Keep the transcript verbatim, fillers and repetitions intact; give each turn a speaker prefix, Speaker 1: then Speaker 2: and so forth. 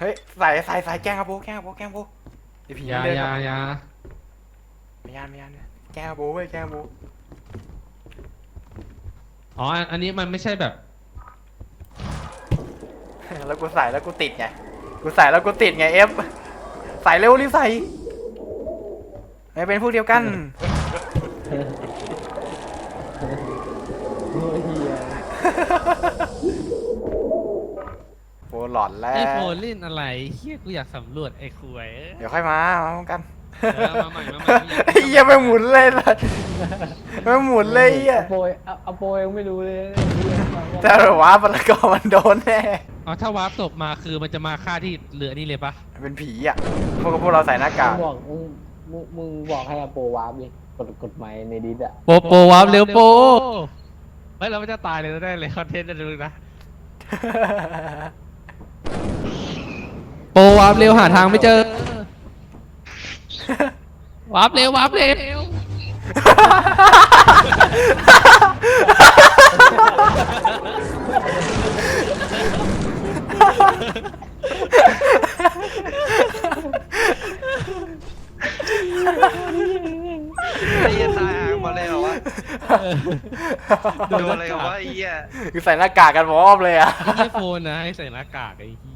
Speaker 1: เฮ้ยใส่ใส่ใส่แกล้งครับโบแกล้งครับโบแกล้งโบไอผี
Speaker 2: อยา
Speaker 1: เดิน
Speaker 2: อยา
Speaker 1: ครับ
Speaker 2: อยา
Speaker 1: ไม่ยานไม่ยานแกล้งครับโบเว้ยแกล้งครับโบ
Speaker 2: อ๋ออันนี้มันไม่ใช่แบบ
Speaker 1: แล้วกูใส่แล้วกูติดไงกูใส่แล้วกูติดไงเอฟใส่เร็วรีบใส่ไม่เป็นพวกเดียวกัน
Speaker 3: โอ้ยเฮีย
Speaker 1: โบหลอนแล้
Speaker 2: ไอ
Speaker 1: ว
Speaker 2: โฟนเล่นอะไรเฮียกูอยากสำรวจไอ้คุย
Speaker 1: เดี๋ยวค่อยมามาพร้อมกัน
Speaker 2: เออมาใหม่มาใหม่กูอยาก
Speaker 1: ไอ้เหี้ยไม่หมุนเลยล่ะไม่หมุนเลยไอ้เหี้ย
Speaker 3: อโปยอโปยยังไม่รู้เลย
Speaker 1: แต่หรือว่าปรากอมันโดนแน่
Speaker 2: อ๋อถ้าวาร์ปศพมาคือมันจะมาฆ่าที่เรือนี่เลยปะ
Speaker 1: เป็นผีอ่ะพวกพวกเราใส่หน้ากาก
Speaker 3: มึงบอกมึงมึงมึงบอกให้อโปวาร์ปดิกดกดไมค์ในดิสอะ
Speaker 2: โปโปวาร์ปเร็วโปเฮ้ยเราไม่จะตายเลยได้เลยคอนเทนต์จะดูนะโปวาร์ปเร็วหาทางไม่เจอวาร์ปเร็ววาร์ปเร็ว
Speaker 4: ไอ้เหี้ยตายห่างมาเลยเหรอวะโดนอะไรกันวะไอ้เหี้ย
Speaker 1: คือใส่หน้ากากกันพร้อมเลยอ่ะ
Speaker 2: ไอ้โฟนนะให้ใส่หน้ากากไอ้เหี้ย